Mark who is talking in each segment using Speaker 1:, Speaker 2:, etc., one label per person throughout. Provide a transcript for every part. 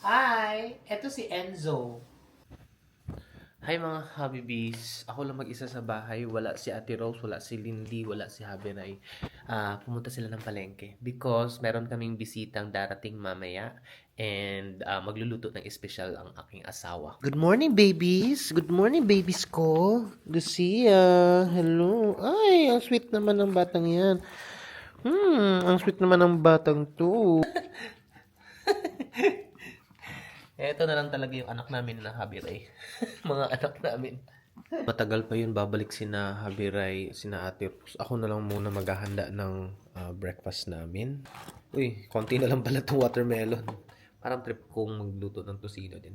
Speaker 1: Hi! Eto si Enzo. Hi mga Habibis. Ako lang mag-isa sa bahay. Wala si Ate Rose, wala si Lindy, wala si Habiray. Pumunta sila ng palengke because meron kaming bisitang darating mamaya and magluluto ng espesyal ang aking asawa. Good morning, babies! Good morning, babies ko! Lucia! Hello! Ay, ang sweet naman ng batang yan. Ang sweet naman ng batang to. Eto na lang talaga yung anak namin na Habiray. Mga anak namin. Matagal pa yun babalik sina Habiray, sina Ate Rose. Ako na lang muna maghahanda ng breakfast namin. Uy, konti na lang pala itong watermelon. Parang trip kong magluto ng tosino din.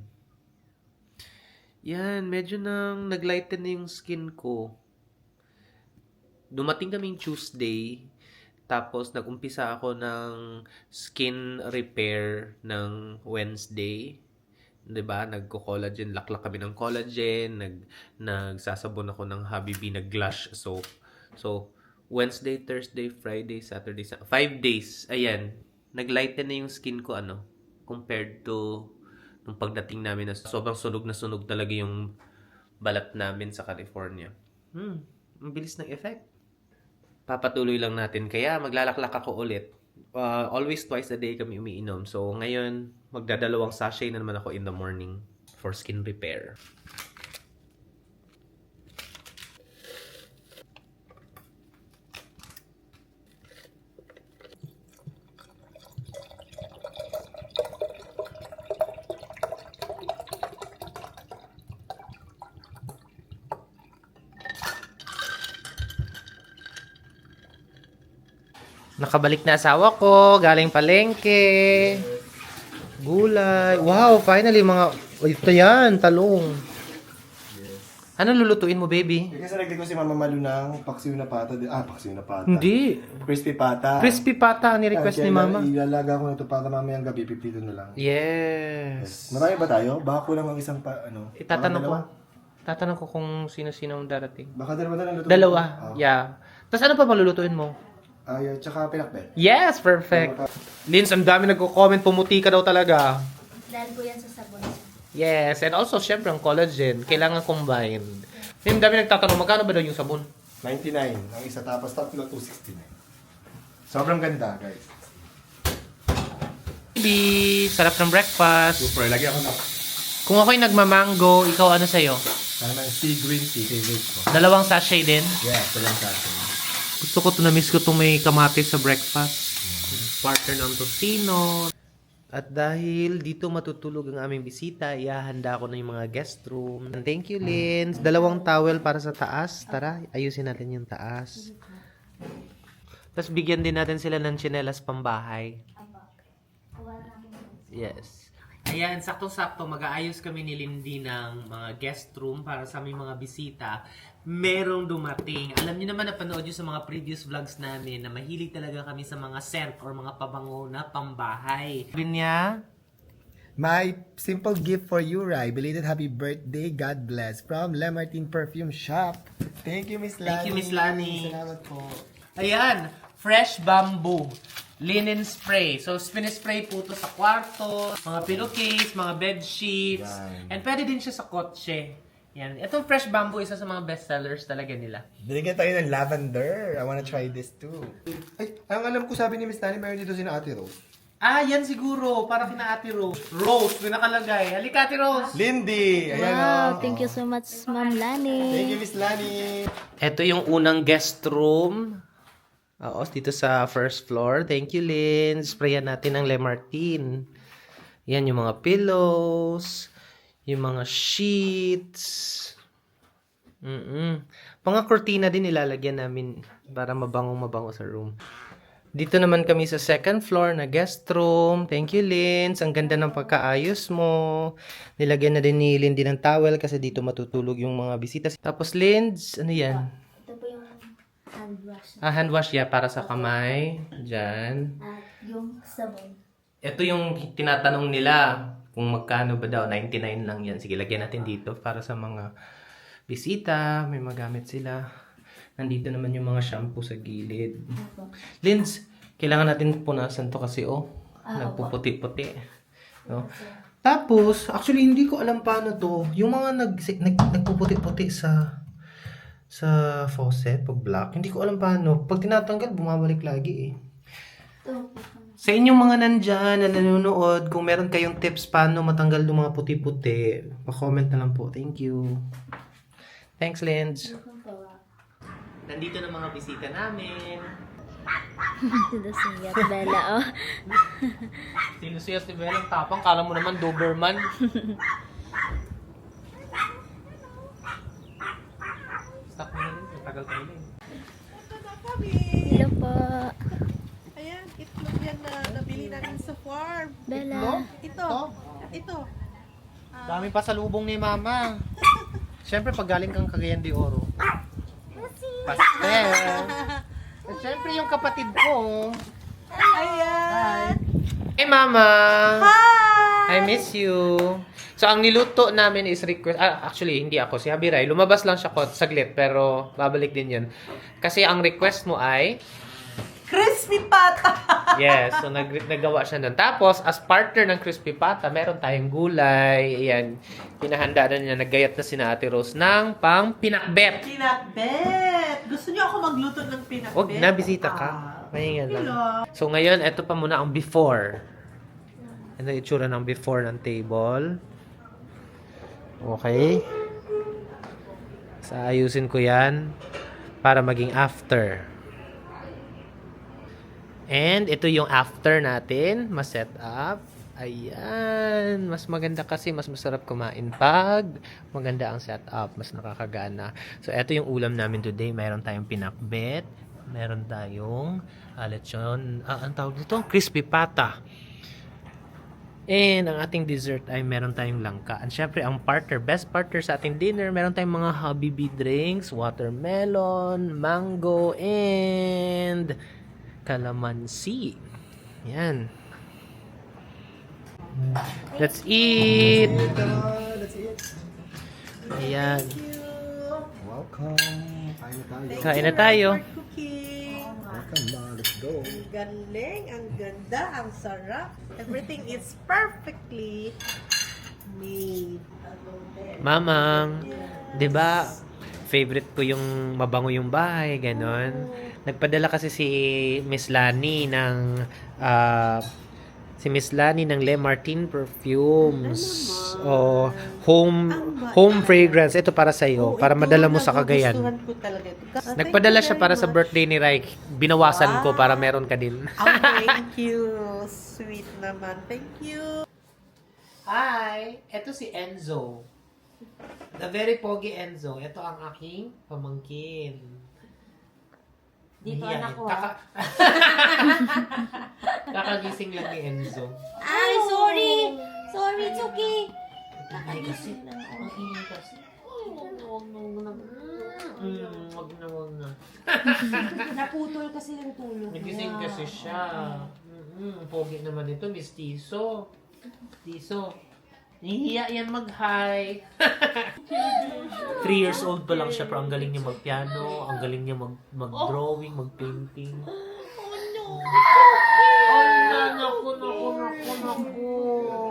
Speaker 1: Yan, medyo nang naglighten na yung skin ko. Dumating kaming Tuesday, tapos nag-umpisa ako ng skin repair ng Wednesday. 'Di ba? Nagko-collagen, laklak kami ng collagen, nagsasabon ako ng Habibi na Glush soap. So, Wednesday, Thursday, Friday, Saturday, 5 days. Ayan, naglighten na yung skin ko compared to nung pagdating namin na sobrang sunog na sunog talaga yung balat namin sa California. Ang bilis ng effect. Papatuloy lang natin. Kaya maglalaklak ako ulit. Always twice a day kami umiinom. So, ngayon, magdadalawang sachet na naman ako in the morning for skin repair. Nakabalik na asawa ko, galing palengke. Gulay. Wow, finally mga ito yan, talong. Ano lulutuin mo, baby?
Speaker 2: Kasi nagdi ko si Mama Malu ng paksiw na pata. Paksiw na pata.
Speaker 1: Hindi.
Speaker 2: Crispy pata.
Speaker 1: Crispy pata ang ni-request ni Mama.
Speaker 2: Ilalaga ko na ito para mamayang gabi, pipito na lang.
Speaker 1: Yes.
Speaker 2: Marami ba tayo? Baka kulang ang isang
Speaker 1: Tatanong ko kung sino-sino ang darating.
Speaker 2: Baka dalawa na lang luto.
Speaker 1: Dalawa. Yeah. Tapos ano pa malulutuin mo?
Speaker 2: Tsaka pinakbet.
Speaker 1: Yes, perfect. Lins, ang dami nagko-comment, pumuti ka daw talaga.
Speaker 3: Dahil po yan sa sabon.
Speaker 1: Yes, and also, syempre, ang collagen, kailangan combined. Yung dami nagtatanong, magkano ba daw yung sabon?
Speaker 2: 99. Ang isa tapos tatlo, 269. Sobrang ganda, guys.
Speaker 1: Baby, sarap ng breakfast.
Speaker 2: Super, lagi ako na.
Speaker 1: Kung ako'y nagmamango, ikaw ano sa'yo?
Speaker 2: Naman, sea green tea, favorite ko.
Speaker 1: 2 sachet din?
Speaker 2: Yeah, talang sachet.
Speaker 1: Gusto ko na-miss ko itong may kamatis sa breakfast. Partner ng tocino. At dahil dito matutulog ang aming bisita, ihahanda ko na yung mga guest room. Thank you, Lynn. 2 towel para sa taas. Tara, ayusin natin yung taas. Tapos bigyan din natin sila ng tsinelas pambahay. Yes. Ayan, saktong-sakto, mag-aayos kami ni Lindy ng mga guest room para sa aming mga bisita. Merong dumating. Alam niyo naman, napanood nyo sa mga previous vlogs namin na mahilig talaga kami sa mga scent or mga pabango na pambahay. Sabi niya,
Speaker 2: My simple gift for you, Rai. Belated happy birthday. God bless. From Le Martin Perfume Shop. Thank you, Miss Lani.
Speaker 1: Thank you, Miss Lani.
Speaker 2: Salamat po.
Speaker 1: ayan, fresh bamboo. Linen spray. So, spray po ito sa kwarto, mga pillowcase, mga bed sheets, and pwede din siya sa kotse. Yan. Itong fresh bamboo, isa sa mga bestsellers talaga nila.
Speaker 2: Binigyan tayo ng lavender. I wanna try this too. Ay, ang alam ko sabi ni Miss Lani, mayroon dito si Ate Rose.
Speaker 1: Ah, yan siguro. Para kina Ate Rose. Rose, may nakalagay. Halika, Ate Rose.
Speaker 2: Lindy! Ayan
Speaker 3: Wow,
Speaker 2: o.
Speaker 3: thank you so much, Ma'am Lani.
Speaker 2: Thank you, Miss Lani.
Speaker 1: Ito yung unang guest room. Oo, dito sa first floor. Thank you, Lynn. Sprayan natin ng Le Martin. Yan yung mga pillows. Yung mga sheets. Mga kurtina din ilalagyan namin para mabango sa room. Dito naman kami sa second floor na guest room. Thank you, Linz. Ang ganda ng pagkaayos mo. Nilagyan na din ni Lindy ng towel kasi dito matutulog yung mga bisita. Tapos, Linz, ano yan?
Speaker 3: Ito po yung hand wash.
Speaker 1: Hand wash, yeah, para sa kamay. Diyan.
Speaker 3: At yung sabon.
Speaker 1: Ito yung tinatanong nila kung magkano ba daw. 99 lang yan. Sige, lagyan natin dito para sa mga bisita. May magamit sila. Nandito naman yung mga shampoo sa gilid. Linz, kailangan natin punasan to kasi nagpuputi-puti. No? Tapos, actually, hindi ko alam paano to. Yung mga nagpuputi-puti sa faucet, pag black, hindi ko alam paano. Pag tinatanggal, bumabalik lagi eh. Sa inyong mga nandyan na nanonood, kung meron kayong tips paano matanggal yung mga puti-puti, pa-comment na lang po. Thank you. Thanks, Linz. Nandito na mga bisita namin.
Speaker 3: Ito si Bella, oh.
Speaker 1: Sino siya si Belang tapang? Kala mo naman Doberman. Stop mo na rin. Matagal tayo na eh.
Speaker 3: Hello po.
Speaker 4: Ayan, itlog yan na nabili namin sa farm.
Speaker 3: Bella.
Speaker 4: Ito.
Speaker 1: Dami pa sa lubong ni Mama. Siyempre, pag galing kang Cagayan de Oro. Pastel. At siyempre, yung kapatid ko.
Speaker 4: Ayan.
Speaker 1: Hey, Mama!
Speaker 4: Hi!
Speaker 1: I miss you. So, ang niluto namin is request. Actually, hindi ako. Si Habiray. Lumabas lang siya saglit, pero babalik din yun. Kasi ang request mo ay...
Speaker 4: Crispy pata!
Speaker 1: Yes, so nagawa siya nun. Tapos, as partner ng Crispy Pata, meron tayong gulay. Ayan, pinahanda na niya. Naggayat na si Ate Rose ng pang pinakbet.
Speaker 4: Pinakbet! Gusto niyo ako magluto ng pinakbet?
Speaker 1: Huwag na, bisita ka. Mahingan lang. So, ngayon, ito pa muna ang before. Ano yung itsura ng before ng table. Okay. So, ayusin ko yan para maging after. And ito yung after natin, mas-set up. Ayan, mas maganda kasi, mas masarap kumain pag maganda ang setup, mas nakakagana. So, ito yung ulam namin today. Meron tayong pinakbet, meron tayong lechon, ang tawag dito, crispy pata. And ang ating dessert ay meron tayong langka. And syempre, ang partner, best partner sa ating dinner, meron tayong mga Habibi drinks, watermelon, mango, and calamansi. Yan. Let's eat!
Speaker 2: That's it.
Speaker 1: Ayan.
Speaker 2: Welcome.
Speaker 1: Kain na tayo.
Speaker 4: For cooking.
Speaker 2: Welcome na. Let's go.
Speaker 4: Ang galing, ang ganda, ang sarap. Everything is perfectly made.
Speaker 1: Mamang, 'di ba? Favorite ko yung mabango yung bahay, ganon. Nagpadala kasi si Miss Lani ng Le Martin perfumes o home fragrance. Ito para sa iyo, para madala mo sa Cagayan.
Speaker 4: Nagustuhan ko talaga ito.
Speaker 1: Nagpadala siya para sa birthday ni Rai. Binawasan ko para meron ka din.
Speaker 4: Oh, thank you. Sweet naman. Thank you.
Speaker 1: Hi! Ito si Enzo. The very pogi Enzo. Ito ang aking pamangkin.
Speaker 3: Dito
Speaker 1: Nahiya
Speaker 3: anak
Speaker 1: yun.
Speaker 3: ko,
Speaker 1: Kakagising lang ni Enzo.
Speaker 3: Ay, sorry! Sorry, it's okay.
Speaker 1: Ay, kasi. Ang ingay kasi. Wag na.
Speaker 3: Naputol kasi yung tulog.
Speaker 1: Nagising kasi siya. Pogi naman ito, Miss Tiso. Tiso. Nahihiya yan mag-hi. 3 years old pa lang siya, pero ang galing niya mag-piano, ang galing niya mag-drawing, mag-painting. Oh no! Oh no! Naku.